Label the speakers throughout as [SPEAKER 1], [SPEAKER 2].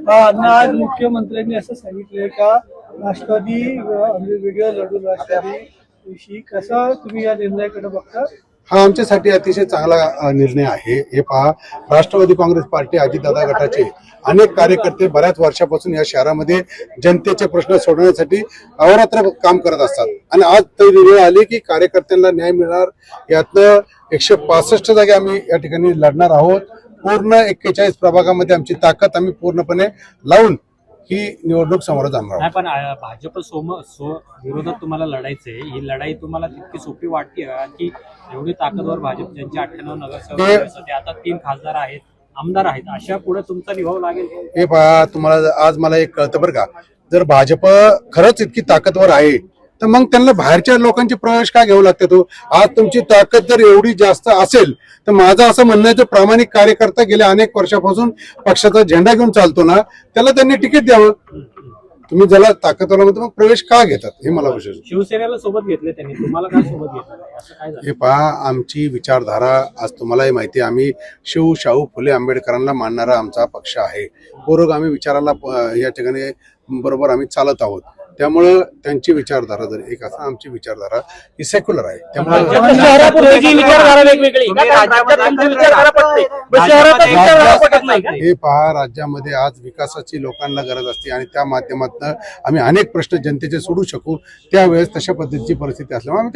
[SPEAKER 1] आज मुख्यमंत्र्यांनी असं सांगितलंय का राष्ट्रवादी वेगळं लढून राष्ट्रवादी विषयी कसं तुम्ही या निर्णयाकडे बघता?
[SPEAKER 2] हा आमच्यासाठी अतिशय चांगला निर्णय आहे। हे पहा, राष्ट्रवादी काँग्रेस पार्टी अजितदादा गटाचे अनेक कार्यकर्ते बऱ्याच वर्षापासून या शहरामध्ये जनतेचे प्रश्न सोडवण्यासाठी अहोरात्र काम करत असतात आणि आज ती वेळ आली की कार्यकर्त्यांना न्याय मिळणार। यातनं 165 जागे आम्ही या ठिकाणी लढणार आहोत। पूर्ण 41 प्रभागामध्ये आमची ताकद आम्ही पूर्णपणे लावून ही निवडणूक समोर जाणार आहोत।
[SPEAKER 3] पण भाजप विरोधात तुम्हाला लढायचंय, ही लढाई तुम्हाला तितकी सोपी वाटते की एवढी ताकदवर भाजप ज्यांचे 98 नगरसेवक ते आता 3 खासदार आहेत, आमदार आहेत, अशा पुढे तुमचा निभाव लागेल?
[SPEAKER 2] हे पहा, तुम्हाला आज मला एक कळतं बरं का, जर भाजप खरंच इतकी ताकदवर आहे तर मग त्यांना बाहेरच्या लोकांचे प्रवेश का घ्यावं लागते? तो आज तुमची ताकद जर एवढी जास्त असेल तर माझं असं म्हणणं आहे, जो प्रामाणिक कार्यकर्ता गेल्या अनेक वर्षापासून पक्षाचा झेंडा घेऊन चालतो ना, त्याला त्यांनी तिकीट द्यावं। तुम्ही ज्याला ताकदवाला म्हणतो मग प्रवेश का घेतात हे मला विशेष।
[SPEAKER 3] शिवसेनेला सोबत घेतले त्यांनी, तुम्हाला काय सोबत घेतलं असं काय झालं?
[SPEAKER 2] हे पहा, आमची विचारधारा आज तुम्हालाही माहिती आहे, आम्ही शाहू फुले आंबेडकरांना मानणारा आमचा पक्ष आहे। पुरोगामी विचाराला या ठिकाणी बरोबर आम्ही चालत आहोत। त्यामुळं त्यांची विचारधारा जर एक असं, आमची विचारधारा ही सेक्युलर आहे। त्यामुळे हे पहा, राज्यामध्ये आज विकासाची लोकांना गरज असते आणि त्या माध्यमातून आम्ही अनेक प्रश्न जनतेचे सोडू शकू। त्यावेळेस तशा पद्धतीची परिस्थिती असल्यामुळे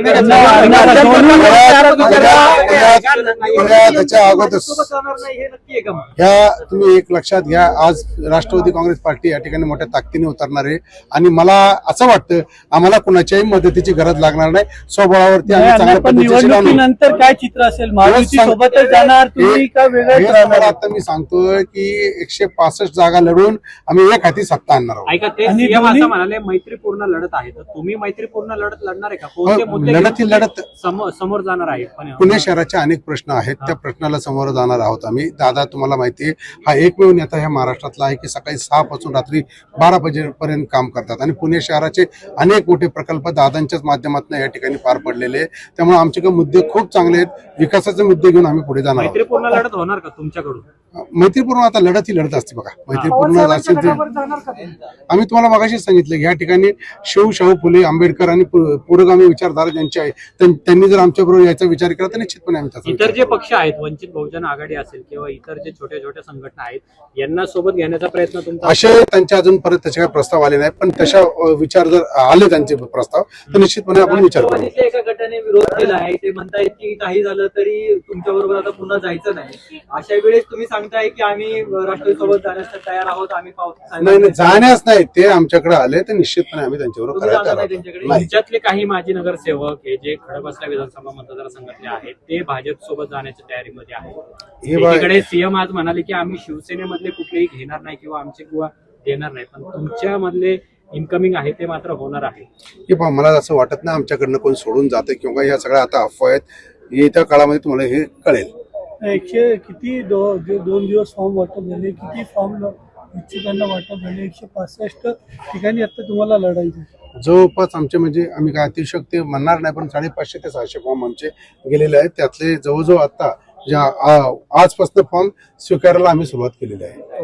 [SPEAKER 2] त्याच्या अगोदर ह्या तुम्ही एक लक्षात घ्या, आज राष्ट्रवादी काँग्रेस पार्टी या ठिकाणी मोठ्या ताकदीने उतरणार आहे आणि मला असं वाटतं आम्हाला कुणाच्याही मदतीची गरज लागणार नाही। स्वबळावरती आम्ही चांगल्या पद्धतीने
[SPEAKER 1] नंतर काय चित्र असेल, महायुती सोबतच जाणार तुम्ही का वेगळं?
[SPEAKER 2] आता मी सांगतोय की 165 जागा लढून आम्ही एक हाती सत्ता आणणार आहोत।
[SPEAKER 3] ऐका, ते सीएम असं म्हणाले मैत्रीपूर्ण लढत आहे, तर तुम्ही मैत्रीपूर्ण लढत लढणार आहे का? कोणते मुद्दे
[SPEAKER 2] लढत
[SPEAKER 3] समोर जाणार आहे?
[SPEAKER 2] पुणे शहराचे अनेक प्रश्न आहेत, त्या प्रश्नाला समोर जाणार आहोत आम्ही। दादा, तुम्हाला माहितीये, हा एकमेव नेता ह्या महाराष्ट्रातला आहे की सकाळी 6 पासून रात्री 12 वाजेपर्यंत काम करतात आणि पुणे शहराचे अनेक मोठे प्रकल्प दादांच्याच माध्यमातून या ठिकाणी पार पडलेले। त्यामुळे आमच्याकडे मुद्दे खूप चांगले आहेत, विकासाचे मुद्दे घेऊन आम्ही पुढे जाणार आहोत।
[SPEAKER 3] मैत्रीपूर्ण लढत होणार का तुमच्याकडून?
[SPEAKER 2] मैत्रीपूर्ण आता लढत ही लढत असते बघा। मैत्रीपूर्ण असेल तर आम्ही तुम्हाला मगाशी सांगितलं, या ठिकाणी शाहू फुले आंबेडकर आणि पुरोगामी विचारधारा ज्यांची आहे त्यांनी जर आमच्या बरोबर याचा विचार केला तर निश्चितपणे आम्ही त्याचा
[SPEAKER 3] इतर जे पक्ष आहेत, वंचित बहुजन आघाडी असेल किंवा इतर जे छोट्या छोट्या संघटना आहेत, यांना सोबत घेण्याचा प्रयत्न तुमचा?
[SPEAKER 2] असे त्यांच्या अजून परत त्याचे काही प्रस्ताव आले नाही, पण तशा विचार जर आले त्यांचे प्रस्ताव तर निश्चितपणे आपण विचार करू।
[SPEAKER 4] एका गटाने विरोध केला आहे, ते म्हणतायत की काही झालं तरी तुमच्या बरोबर आता पुन्हा जायचं नाही। अशा वेळेस तुम्ही सांगताय की आम्ही राष्ट्रवादी सोबत जाण्यास तयार आहोत, आम्ही
[SPEAKER 2] नाही जाण्यास नाही, ते आमच्याकडे आले तर निश्चितपणे आम्ही त्यांच्याबरोबर
[SPEAKER 3] राज्यातले काही माजी नगरसेवक हे जे खडकवासला विधानसभा मतदारसंघातले आहेत, ते भाजप सोबत जाण्याच्या तयारीमध्ये आहेत। एकीकडे सीएम आज म्हणाले की आम्ही शिवसेनेमधले कुठलेही घेणार नाही किंवा आमचे किंवा देणार नाही, पण तुमच्या मधले इनकमिंग आहे ते मात्र होणार आहे।
[SPEAKER 2] हे पहा, मला असं वाटत नाही आमच्याकडनं कोण सोडून जाते किंवा ह्या सगळ्या आता अफवा आहेत। येत्या काळामध्ये तुम्हाला हे कळेल।
[SPEAKER 1] 2 दिवस फॉर्म वाटप झाले, किती फॉर्म इच्छुकांना वाटप झाले? 165 ठिकाणी आता तुम्हाला लढायचं।
[SPEAKER 2] जवळपास आमचे म्हणजे आम्ही काय अतिशयोक्ती म्हणणार नाही, पण 550 ते 600 फॉर्म आमचे गेलेले आहेत। त्यातले जवळजवळ आता आजपासून फॉर्म स्वीकारायला आम्ही सुरुवात केलेली आहे।